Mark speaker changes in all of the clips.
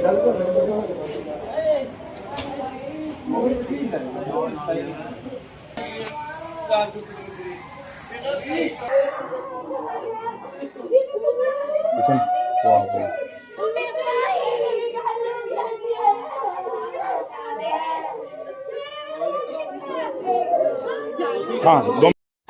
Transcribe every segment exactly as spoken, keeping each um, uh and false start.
Speaker 1: हाँ दो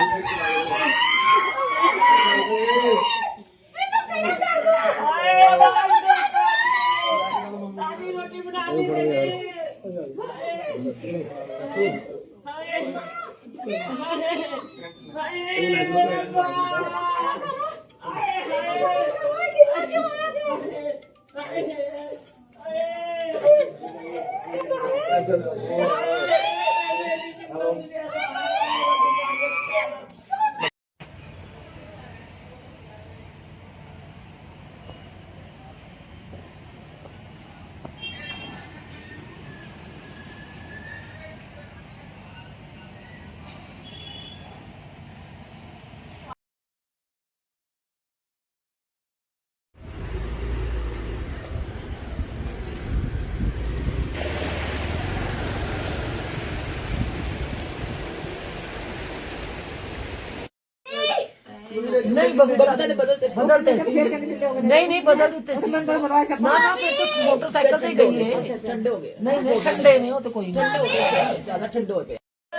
Speaker 2: नहीं बदलते बदलते बदलते नहीं नहीं बदल देते ना ना फिर तो मोटरसाइकिल से गई है ठंडे हो गए नहीं नहीं ठंडे नहीं हो तो कोई ठंडे हो गए ज्यादा ठंडे हो गए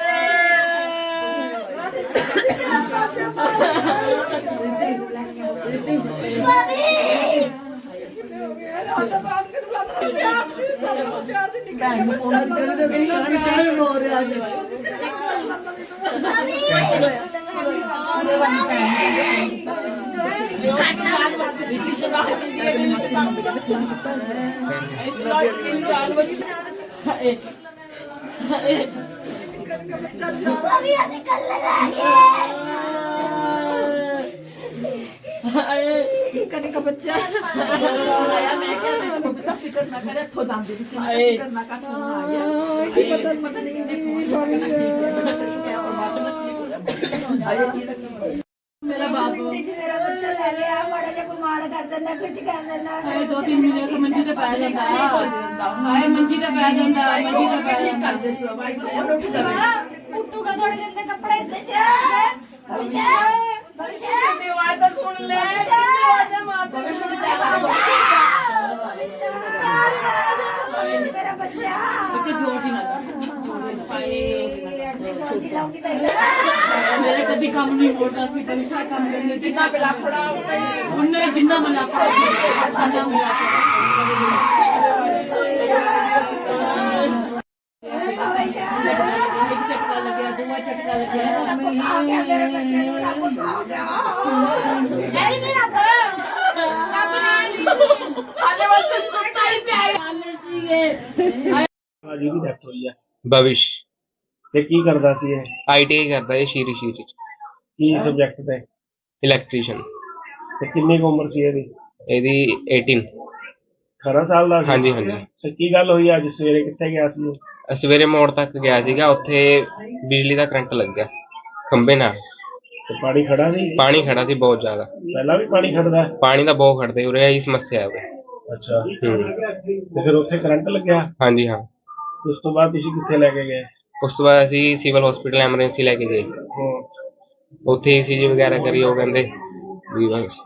Speaker 3: कने का बच्चा आया मैं क्या मैं तो बता फिक्र ना करे तो दाम दे किसी ने फिक्र ना का फोन आ गया पता पता नहीं कितने फोन करना ठीक है और बात ना ठीक हो जाए आया ये तक मेरा बाबू मेरा बच्चा ले लिया बड़ा जब बीमार कर देना कुछ कर देना
Speaker 4: अरे दो तीन महीने से मंजी ते पै जांदा हाय मंजी ते पै जांदा मंजी ते पै
Speaker 3: ठीक कर दे सो भाई उठ जा उठूगा थोड़े दिन के कपड़े दे जा भविष्य भविष्य दीवार तो सुन ले आजा माता मेरा बच्चा
Speaker 4: बच्चे झूठ ही ना मेरे कभी काम नहीं बोलता सी कविशा काम करने जिसा पे लापड़ा उन्ने जिंदा में लापड़ा साना मिला एक चटका लग गया दूसरा चटका लग गया
Speaker 3: मेरे बच्चे को लापड़ा हो गया अरे मेरा आने वाले सुनता ही प्यार आने चाहिए
Speaker 5: आज भी डेथ हुई है
Speaker 6: भविष
Speaker 5: ਤੇ ਕੀ ਕਰਦਾ ਸੀ ਇਹ
Speaker 6: ਆਈਟੀਆਈ ਕਰਦਾ ਹੈ ਸ਼ੀਰੀ ਸ਼ੀਰੀ ਚ
Speaker 5: ਕੀ ਸਬਜੈਕਟ ਤੇ
Speaker 6: ਇਲੈਕਟ੍ਰੀਸ਼ੀਅਨ
Speaker 5: ਤੇ ਕਿੰਨੀ ਕੁ ਉਮਰ ਸੀ ਇਹਦੀ
Speaker 6: ਇਹਦੀ ਅਠਾਰਾਂ
Speaker 5: ਅਠਾਰਾਂ ਸਾਲ ਦਾ ਸੀ
Speaker 6: ਹਾਂਜੀ ਹਾਂਜੀ
Speaker 5: ਤੇ ਕੀ ਗੱਲ ਹੋਈ ਅੱਜ ਸਵੇਰੇ ਕਿੱਥੇ ਗਿਆ ਸੀ ਉਹ
Speaker 6: ਸਵੇਰੇ ਮੋੜ ਤੱਕ ਗਿਆ ਸੀਗਾ ਉੱਥੇ ਬਿਜਲੀ ਦਾ ਕਰੰਟ ਲੱਗ ਗਿਆ ਖੰਭੇ ਨਾਲ
Speaker 5: ਤੇ ਪਾਣੀ ਖੜਾ ਸੀ
Speaker 6: ਪਾਣੀ ਖੜਾ ਸੀ ਬਹੁਤ ਜ਼ਿਆਦਾ
Speaker 5: ਪਹਿਲਾਂ ਵੀ ਪਾਣੀ ਖੜਦਾ
Speaker 6: ਪਾਣੀ ਦਾ ਬਹੁਤ ਖੜਦੇ ਉਰੇ ਇਹੀ ਸਮੱਸਿਆ ਹੈ ਉਰੇ
Speaker 5: ਅੱਛਾ
Speaker 6: ਹੂੰ
Speaker 5: ਤੇ ਫਿਰ ਉੱਥੇ ਕਰੰਟ ਲੱਗਿਆ
Speaker 6: ਹਾਂਜੀ ਹਾਂ
Speaker 5: ਉਸ ਤੋਂ ਬਾਅਦ ਤੁਸੀਂ ਕਿੱਥੇ ਲੈ ਕੇ ਗਏ
Speaker 6: ਉਸ ਤੋਂ ਬਾਅਦ ਅਸੀਂ ਸਿਵਲ ਹਸਪੀਟਲ ਐਮਰਜੈਂਸੀ ਲੈ ਕੇ ਗਏ ਉੱਥੇ ਈਸੀਜੀ ਵਗੈਰਾ ਕਰੀ ਉਹ ਕਹਿੰਦੇ ਵੀ ਬਸ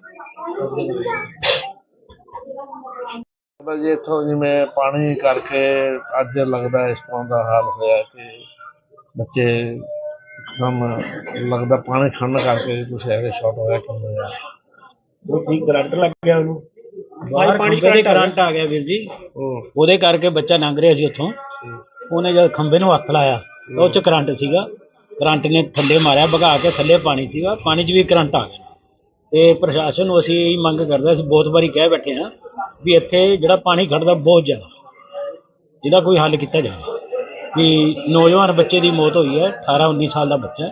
Speaker 7: ਜੀ ਇੱਥੋਂ ਜਿਵੇਂ ਪਾਣੀ ਕਰਕੇ ਅੱਜ ਲੱਗਦਾ ਇਸ ਤਰ੍ਹਾਂ ਦਾ ਹਾਲ ਹੋਇਆ ਕਿ ਬੱਚੇ ਇੱਕਦਮ ਲੱਗਦਾ ਪਾਣੀ ਖੜਨ ਕਰਕੇ ਕੁਛ ਐਵੇਂ ਸ਼ਾਰਟ ਹੋਇਆ ਕਿ ਹੋਇਆ
Speaker 5: ਉਹ ਕੀ ਕਰੰਟ ਲੱਗ ਗਿਆ ਉਹਨੂੰ
Speaker 8: ਬਾਹਰ ਪਾਣੀ ਦੇ ਕਰੰਟ ਆ ਗਿਆ ਵੀਰ ਜੀ ਉਹਦੇ ਕਰਕੇ ਬੱਚਾ ਲੰਘ ਰਿਹਾ ਸੀ ਉੱਥੋਂ ਉਹਨੇ ਜਦ ਖੰਭੇ ਨੂੰ ਹੱਥ ਲਾਇਆ ਤਾਂ ਉਹ 'ਚ ਕਰੰਟ ਸੀਗਾ ਕਰੰਟ ਨੇ ਥੱਲੇ ਮਾਰਿਆ ਭਗਾ ਕੇ ਥੱਲੇ ਪਾਣੀ ਸੀਗਾ ਪਾਣੀ 'ਚ ਵੀ ਕਰੰਟ ਆ ਗਿਆ ਤੇ ਪ੍ਰਸ਼ਾਸਨ ਨੂੰ ਅਸੀਂ ਇਹ ਮੰਗ ਕਰਦੇ ਅਸੀਂ ਬਹੁਤ ਵਾਰੀ ਕਹਿ ਬੈਠੇ ਹਾਂ ਵੀ ਇੱਥੇ ਜਿਹੜਾ ਪਾਣੀ ਖੜਦਾ ਬਹੁਤ ਜ਼ਿਆਦਾ ਜਿਹਦਾ ਕੋਈ ਹੱਲ ਕੀਤਾ ਜਾਵੇ ਵੀ ਨੌਜਵਾਨ ਬੱਚੇ ਦੀ ਮੌਤ ਹੋਈ ਹੈ ਅਠਾਰਾਂ ਉੱਨੀ ਸਾਲ ਦਾ ਬੱਚਾ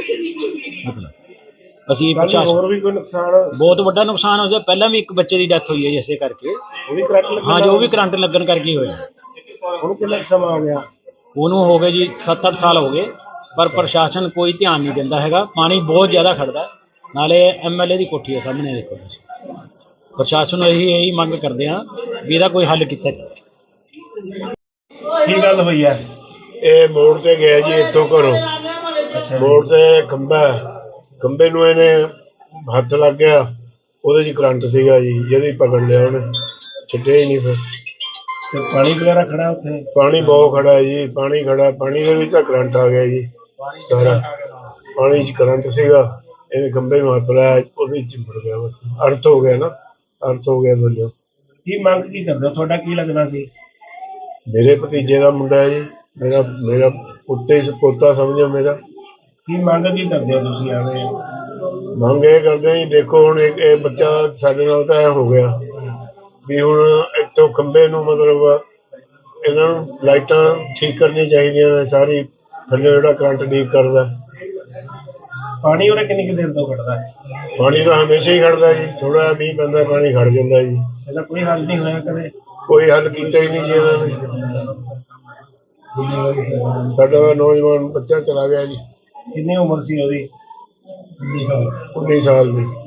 Speaker 8: ਮਤਲਬ ਅਸੀਂ ਪ੍ਰਸ਼ਾਸਨ
Speaker 5: ਹੋਰ ਵੀ ਕੋਈ ਨੁਕਸਾਨ
Speaker 8: ਬਹੁਤ ਵੱਡਾ ਨੁਕਸਾਨ ਹੋ ਗਿਆ ਪਹਿਲਾਂ ਵੀ ਇੱਕ ਬੱਚੇ ਦੀ ਡੈਥ ਹੋਈ ਹੈ ਇਸੇ ਕਰਕੇ
Speaker 5: ਉਹ ਵੀ ਕਰੰਟ ਲੱਗਣ
Speaker 8: ਹਾਂ ਜੋ ਵੀ ਕਰੰਟ ਲੱਗਣ ਕਰਕੇ ਹੋਇਆ
Speaker 5: ਉਹਨੂੰ ਕਿੰਨਾ ਸਮਾਂ ਹੋ ਗਿਆ
Speaker 8: ਉਹਨੂੰ ਹੋ ਗਏ ਜੀ ਸੱਤ ਅੱਠ ਸਾਲ ਹੋ ਗਏ ਪਰ ਪ੍ਰਸ਼ਾਸਨ ਕੋਈ ਧਿਆਨ ਨਹੀਂ ਦਿੰਦਾ ਹੈਗਾ ਪਾਣੀ ਬਹੁਤ ਜ਼ਿਆਦਾ ਖੜਦਾ ਨਾਲੇ ਐਮਐਲਏ ਦੀ ਕੋਠੀ ਹੈ ਸਾਹਮਣੇ ਦੇਖੋ ਪ੍ਰਸ਼ਾਸਨ ਨੂੰ ਇਹੀ ਇਹੀ ਮੰਗ ਕਰਦੇ ਹਾਂ ਵੀ ਇਹਦਾ ਕੋਈ ਹੱਲ ਕੀਤਾ ਜਾਵੇ।
Speaker 5: ਕੀ ਗੱਲ ਹੋਈ ਹੈ?
Speaker 1: ਇਹ ਮੋੜ ਤੇ ਗਿਆ ਜੀ ਇੱਥੋਂ ਘਰੋਂ।
Speaker 5: ਅੱਛਾ ਜੀ।
Speaker 1: ਮੋੜ ਤੇ ਖੰਭਾ ਹੈ, ਖੰਭੇ ਨੂੰ ਇਹਨੇ ਹੱਥ ਲੱਗ ਗਿਆ, ਉਹਦੇ 'ਚ ਕਰੰਟ ਸੀਗਾ ਜੀ, ਜਿਹਦੀ ਪਕੜ ਲਿਆ ਉਹਨੇ, ਛੱਡਿਆ ਹੀ ਨਹੀਂ। ਫਿਰ
Speaker 5: ਤੇ ਪਾਣੀ ਵਗੈਰਾ ਖੜਾ ਉੱਥੇ?
Speaker 1: ਪਾਣੀ ਬਹੁਤ ਖੜਾ ਹੈ ਜੀ, ਪਾਣੀ ਖੜਾ, ਪਾਣੀ ਦੇ ਵਿੱਚ ਤਾਂ ਕਰੰਟ ਆ ਗਿਆ ਜੀ ਸਾਰਾ। ਪਾਣੀ 'ਚ ਕਰੰਟ ਸੀਗਾ, ਇਹਨੇ ਖੰਭੇ ਨੂੰ ਹੱਥ ਲਾਇਆ, ਉਹਦੇ 'ਚ ਚਿੰਬੜ ਗਿਆ, ਬਸ ਅਰਥ ਹੋ ਗਿਆ ਨਾ, ਅਰਥ ਹੋ ਗਿਆ ਬੋਲੋ।
Speaker 5: ਕੀ ਮੰਗ ਕੀ ਕਰਦੇ ਹੋ? ਤੁਹਾਡਾ ਕੀ ਲੱਗਦਾ ਸੀ?
Speaker 1: ਮੇਰੇ ਭਤੀਜੇ ਦਾ ਮੁੰਡਾ ਹੈ ਜੀ, ਮੇਰਾ ਮੇਰਾ ਪੁੱਤੇ ਪੋਤਾ ਸਮਝੋ ਮੇਰਾ।
Speaker 5: ਕੀ ਮੰਗ ਕੀ ਕਰਦੇ ਹੋ ਤੁਸੀਂ ਆਵੇ?
Speaker 1: ਮੰਗ ਇਹ ਕਰਦੇ ਜੀ, ਦੇਖੋ ਹੁਣ ਇੱਕ ਇਹ ਬੱਚਾ ਸਾਡੇ ਨਾਲ ਤਾਂ ਐ ਹੋ ਗਿਆ ਵੀ ਹੁਣ ਇੱਥੋਂ ਖੰਭੇ ਨੂੰ ਮਤਲਬ ਇਹਨਾਂ ਨੂੰ ਲਾਈਟਾਂ ਠੀਕ ਕਰਨੀਆਂ ਚਾਹੀਦੀਆਂ ਨੇ ਸਾਰੀ, ਥੱਲੇ ਜਿਹੜਾ ਕਰੰਟ ਲੀਕ ਕਰਦਾ।
Speaker 5: ਪਾਣੀ ਉਹਨੇ ਕਿੰਨੀ ਕੁ ਦੇਰ ਤੋਂ ਖੜਦਾ ਹੈ?
Speaker 1: ਪਾਣੀ ਤਾਂ ਹਮੇਸ਼ਾ ਹੀ ਖੜਦਾ ਜੀ, ਥੋੜਾ ਮੀਂਹ ਪੈਂਦਾ ਪਾਣੀ ਖੜ ਜਾਂਦਾ ਜੀ।
Speaker 5: ਇਹਦਾ ਕੋਈ ਹੱਲ ਨਹੀਂ ਹੋਇਆ ਕਦੇ?
Speaker 1: ਕੋਈ ਹੱਲ ਕੀਤਾ ਹੀ ਨਹੀਂ ਜੀ ਇਹਨਾਂ ਨੇ। ਸਾਡਾ ਤਾਂ ਨੌਜਵਾਨ ਬੱਚਾ ਚਲਾ ਗਿਆ ਜੀ,
Speaker 5: ਕਿੰਨੀ ਉਮਰ ਸੀ ਉਹਦੀ?
Speaker 1: ਉੱਨੀ ਸਾਲ ਦੀ।